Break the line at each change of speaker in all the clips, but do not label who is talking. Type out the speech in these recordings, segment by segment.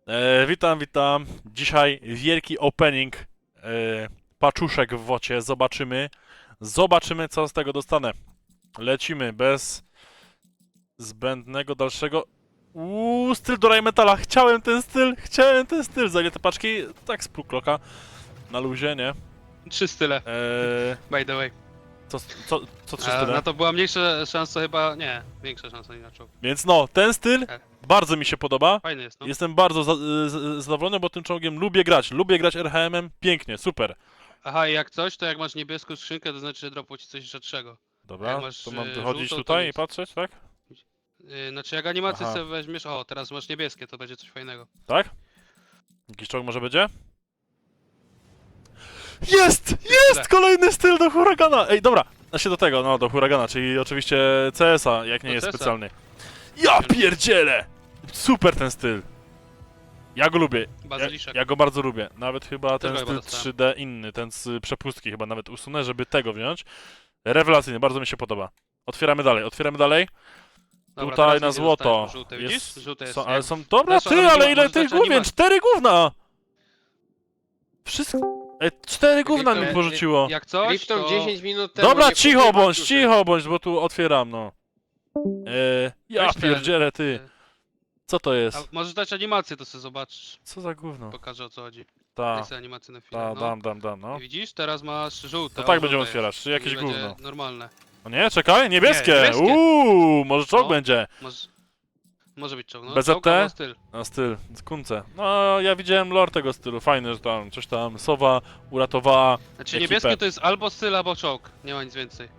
Witam, witam. Dzisiaj wielki opening paczuszek w wocie. Zobaczymy co z tego dostanę. Lecimy bez zbędnego dalszego... styl do Rheinmetalla. Chciałem ten styl. Za ile te paczki? Tak z półkloka. Na luzie, nie?
3 style, by the way.
Co 3 style?
Na to była mniejsza szansa chyba, nie, większa szansa inaczej.
Więc no, ten styl
Tak.
bardzo mi się podoba.
Fajny jest, no.
Jestem bardzo zadowolony, bo tym czołgiem lubię grać. Lubię grać RHM-em. Pięknie, super.
Aha, i jak coś, to jak masz niebieską skrzynkę, to znaczy, że dropło ci coś rzadszego.
Dobra,
Jak masz,
to mam
żółtą,
wychodzić
to
tutaj i
nic.
patrzeć, tak?
Znaczy, jak animację
Aha.
sobie weźmiesz, o, teraz masz niebieskie, to będzie coś fajnego.
Tak? Jakiś czołg może będzie? Jest! Kolejny styl do huragana! Ej, dobra, do tego, no do huragana, czyli oczywiście CS-a, jak nie
Do
jest
CS-a.
specjalny. Ja pierdzielę! Super ten styl. Ja go lubię.
Bazyliszek.
Ja go bardzo lubię. Nawet chyba ten
Też go
styl
chyba
3D inny, ten z przepustki chyba nawet usunę, żeby tego wziąć. Rewelacyjny, bardzo mi się podoba. Otwieramy dalej.
Dobra,
Tutaj
teraz
na
nic nie
złoto.
dostajesz, bo żółte, widzisz? Żółte jest.
Ale
jak-
są... Dobra,
Zresztą,
ty,
ale
ale
nie-
ile
może
tych
dać
główien?
animację.
4 gówna! Wszystko... 4 gówna mi
Jak-
porzuciło.
Jak coś,
Lipton
to...
10 minut temu
Dobra,
nie kupił paczuszek.
cicho bądź, bo tu otwieram, no. Ja
Weź ten,
pierdzielę, ty. Co to
A
jest?
możesz dać animację, to sobie zobaczysz.
Co za gówno?
Pokażę, o co chodzi.
Ta,
Daj sobie animację na chwilę,
ta,
no.
dam, no.
I widzisz, teraz masz żółte.
To
o,
tak będziemy
żółte
otwierać,
jest.
czy jakieś
I będzie
gówno?
normalne.
O nie, czekaj, niebieskie!
Nie, niebieskie.
Może czołg
No.
będzie.
Może być czołg, no.
BZT?
Czołg albo styl.
Na styl, kunce. No, ja widziałem lore tego stylu, fajne, że tam coś tam, sowa uratowała
Znaczy
ekipę.
niebieskie to jest albo styl, albo czołg. Nie ma nic więcej.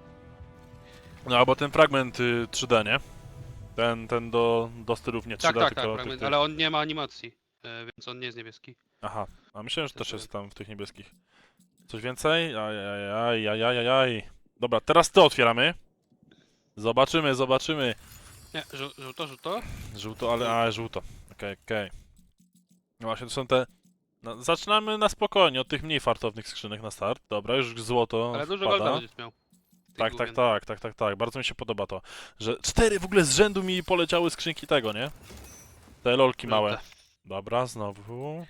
No, albo ten fragment 3D, nie? Ten do stylów nie 3D,
Tak,
tylko
fragment,
tych.
ale on nie ma animacji. Więc on nie jest niebieski.
Aha, a myślałem, że też
To-
jest tam w tych niebieskich. Coś więcej? Ajajajajajajaj. Dobra, teraz to otwieramy. Zobaczymy.
Nie, żółto?
Żółto, ale żółto. Okej. No właśnie, to są te... No, zaczynamy na spokojnie, od tych mniej fartownych skrzynek na start. Dobra, już złoto
Ale dużo
wpada.
golda będziesz miał. Tych główien.
Tak. Bardzo mi się podoba to, że 4 w ogóle z rzędu mi poleciały skrzynki tego, nie? Te lolki małe.
Żółte.
Dobra, znowu.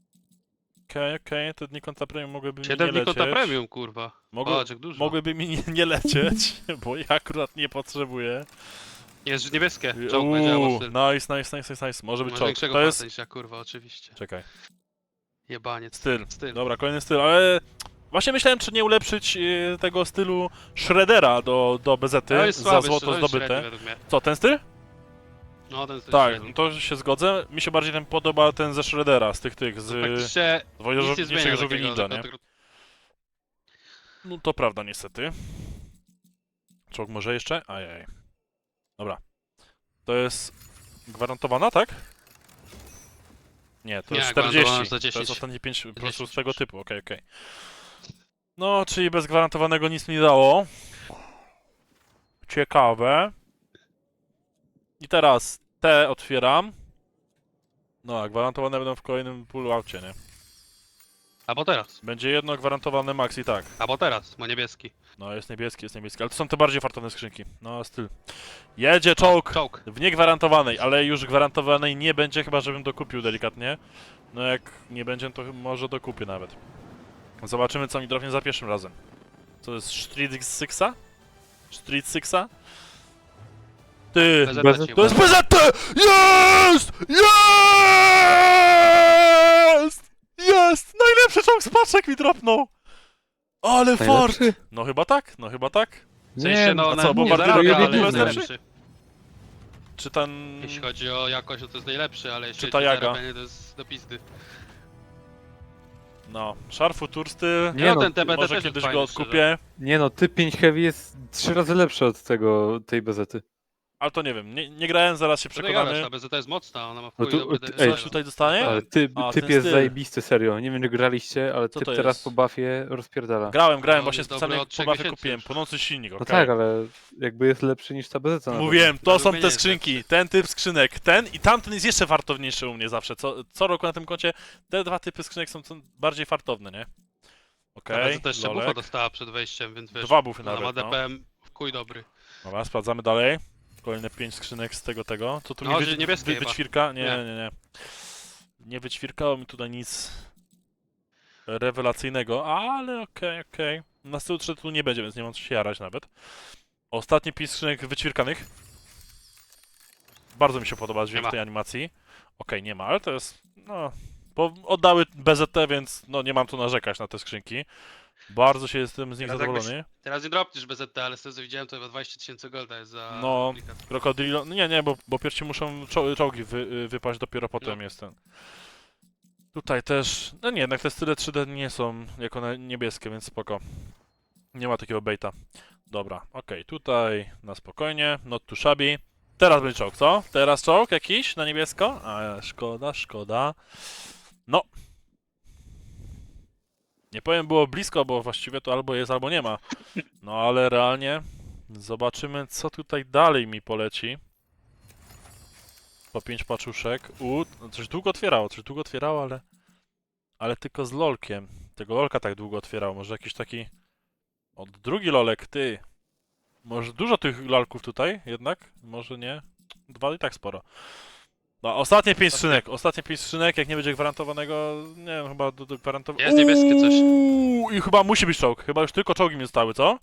Okej, te dni konta premium mogłyby mi
7
nie
dni
lecieć.
konta premium, kurwa.
Mogły-
Patrz, jak dużo.
Mogłyby mi nie lecieć, bo ja akurat nie potrzebuję.
Jest niebieskie. Czołg będzie albo styl.
Nice. Może być
Masz
czołg.
większego
To jest...
farta niż ja, kurwa, oczywiście.
Czekaj.
Jebaniec.
Styl.
Styl.
Dobra, kolejny styl, ale... Właśnie myślałem, czy nie ulepszyć tego stylu Shreddera do BZ-y
To jest
za
słaby,
złoto
to jest
zdobyte.
średni według mnie.
Co, ten styl?
No, ten styl
Tak,
średni.
to się zgodzę. Mi się bardziej ten podoba ten ze Shreddera, z tych, z
Praktycznie nic nie
wojowniczych
zmienia
żółwi
takiego,
ninja, nie?
tylko-
No to prawda, niestety. Czołg może jeszcze? Ajaj. Dobra. To jest gwarantowana, tak? Nie, to
Nie,
jest
gwarantowana
40.
za
To
10.
jest ostatnie 5 po prostu
10,
z tego typu, okej. No, czyli bez gwarantowanego nic mi nie dało. Ciekawe. I teraz te otwieram. No, a gwarantowane będą w kolejnym pulloutie, nie?
Albo teraz.
Będzie jedno gwarantowane max i tak.
Albo teraz, ma niebieski.
No, jest niebieski, ale to są te bardziej fartowne skrzynki. No, styl. Jedzie czołg!
Czołg.
W niegwarantowanej, ale już gwarantowanej nie będzie, chyba żebym dokupił delikatnie. No jak nie będzie, to może dokupię nawet. Zobaczymy, co mi drobnie za pierwszym razem. Co jest Street Sixa? Street Sixa? Ty!
BZT ci
To jest
uważa.
BZT! Jest! Najlepszy czołg z paczek mi dropnął! Ale fart!
Najlepszy?
No chyba tak.
W sensie, no,
a co, bo
nie
bardziej
zarabia,
drogi
ale
jest
jest
lepszy?
lepszy.
Czy ten...
Jeśli chodzi o jakość, to jest najlepszy, ale jeśli
Czy
chodzi
ta
o
jaga?
zarabianie, to jest do pizdy.
No, Szarfu Tursty...
Nie
No,
no,
ten TBT
Może
też jest
kiedyś
fajny,
go
szczerze.
odkupię,
Nie no, typ 5 Heavy jest 3 razy lepszy od tej bezety.
ale to nie wiem. Nie grałem, zaraz się
Co ty gadasz,
przekonamy.
ta BZT jest mocna, ona ma w
No
chuj
tu-
dobry
ej,
Coś
DPS.
tutaj dostanie?
Ale
A,
typ
ten
jest
styl.
zajebisty, serio. Nie wiem, czy graliście, ale
Co
typ
to
teraz
jest?
po buffie rozpierdala.
Grałem,
No,
właśnie
jest dobry
specjalnie
od
po
3
buffie
miesięcy
kupiłem.
już.
Płonący silnik,
No
okej.
tak, ale jakby jest lepszy niż ta bezeta. na
Mówiłem, to
Według
są
mnie
te
nie jest
skrzynki. Ten typ skrzynek, ten i tamten jest jeszcze fartowniejszy u mnie zawsze. Co roku na tym koncie te dwa typy skrzynek są bardziej fartowne, nie?
Ta
Okej,
BZT jeszcze bufa
lolek.
dostała przed wejściem, więc wiesz,
Dwa bufy
ona ma
nawet, no.
DPM w chuj dobry.
Dobra, sprawdzamy dalej. Kolejne 5 skrzynek z tego. Co tu
No,
mi
że niebieskie chyba.
wyćwirka? Nie. Nie wyćwirkało mi tutaj nic rewelacyjnego, ale okej. Na stylu tu nie będzie, więc nie mam co się jarać nawet. Ostatni pis skrzynek wyćwirkanych. Bardzo mi się podoba dźwięk
ma.
tej animacji. Okej, nie ma, ale to jest, no... Bo oddały BZT, więc no nie mam tu narzekać na te skrzynki. Bardzo się jestem z nich
Teraz
zadowolony.
Teraz nie dropniesz BZT, ale z tego co widziałem to chyba 20 000 golda jest za
No,
duplikat.
Krokodilo... Nie, bo pierwsi muszą czołgi wypaść, dopiero potem
No.
jest ten. Tutaj też... No nie, jednak te style 3D nie są jako niebieskie, więc spoko. Nie ma takiego baita. Dobra, okej, tutaj na spokojnie, not too shabby. Teraz będzie czołg, co? Teraz czołg jakiś na niebiesko? A, szkoda. No. Nie powiem, było blisko, bo właściwie to albo jest, albo nie ma. No ale realnie zobaczymy, co tutaj dalej mi poleci. Po 5 paczuszek. Coś długo otwierało, ale tylko z lolkiem. Tego lolka tak długo otwierał. Może jakiś taki... drugi lolek, ty. Może dużo tych lalków tutaj jednak? Może nie? 2 i tak sporo. No, ostatnie 5 skrzynek, jak nie będzie gwarantowanego, nie wiem, chyba do gwarantowanego...
Jest niebieskie coś.
I chyba musi być czołg, chyba już tylko czołgi mi zostały, co?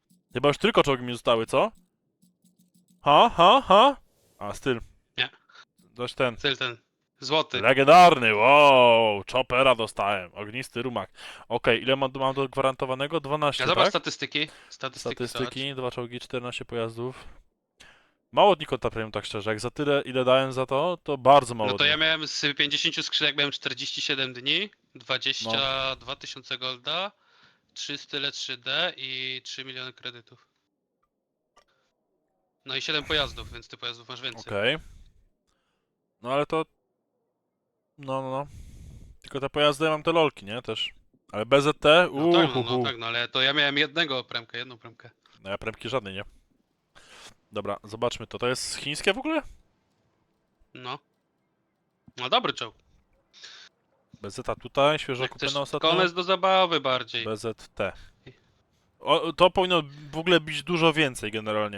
Ha? A, styl.
Nie.
Dość ten.
Cel ten. Złoty.
Legendarny, wow! Chopera dostałem, ognisty rumak. Okej, ile mam do gwarantowanego? 12,
Ja zobacz
tak?
statystyki.
Statystyki, 2 czołgi, 14 pojazdów. Mało dni konta premium, tak szczerze. Jak za tyle, ile dałem za to, to bardzo mało
No to
dni.
ja miałem z 50 skrzynek miałem 47 dni, 22 000 golda, 3 style 3D i 3 miliony kredytów. No i 7 pojazdów, więc ty pojazdów masz więcej.
Okej. No ale to... No. Tylko te pojazdy, ja mam te lolki, nie? Też. Ale BZT?
No tak, no ale to ja miałem jedną premkę.
No ja premki żadnej, nie? Dobra, zobaczmy to. To jest chińskie w ogóle?
No. No dobry czołg.
BZT tutaj, świeżo
Jak chcesz
kupione ostatnio.
konec do zabawy bardziej.
BZT. To powinno w ogóle być dużo więcej generalnie.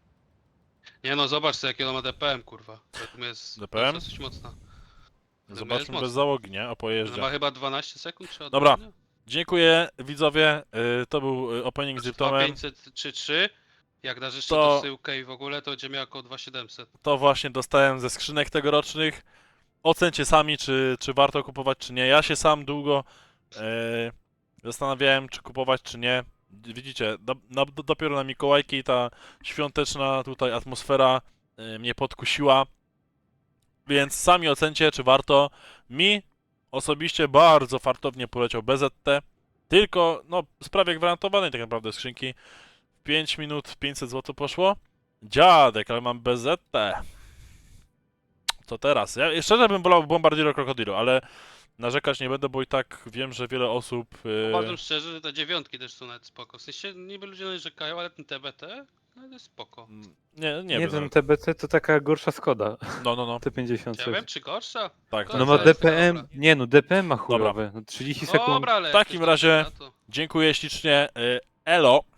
Nie no, zobacz sobie jakie ono ma DPM, kurwa. To jest
DPM?
dosyć mocna.
Zobaczmy
mocno.
bez załogi, nie? O
Ono
pojeździe.
ma chyba 12 sekund czy
Dobra.
odrodzenia?
Dziękuję widzowie. To był opening z Liptomem.
2503. Jak dasz jeszcze
To-
dosyłkę i w ogóle, to będzie miał około 2700.
To właśnie dostałem ze skrzynek tegorocznych. Ocencie sami, czy warto kupować, czy nie. Ja się sam długo zastanawiałem, czy kupować, czy nie. Widzicie, dopiero na Mikołajki ta świąteczna tutaj atmosfera mnie podkusiła. Więc sami ocencie, czy warto. Mi osobiście bardzo fartownie poleciał BZT. Tylko, no, z prawie gwarantowanej tak naprawdę skrzynki. W 5 minut 500 zł poszło. Dziadek, ale mam BZT. Co teraz? Ja szczerze bym wolał Bombardiero Crocodilo, ale narzekać nie będę, bo i tak wiem, że wiele osób...
Uważam szczerze, że te dziewiątki też są nawet spoko. W sensie niby ludzie narzekają, ale ten TBT no jest spoko.
Nie
Nie,
wiem.
ten TBC to taka gorsza Skoda.
No.
T50.
Ja wiem, czy gorsza?
Tak,
To
No
jest
ma
dobra.
DPM, nie no DPM ma chujowe. No 30 sekund.
Dobra, ale
W takim
jak ktoś
razie-
na to.
Dziękuję ślicznie. Elo.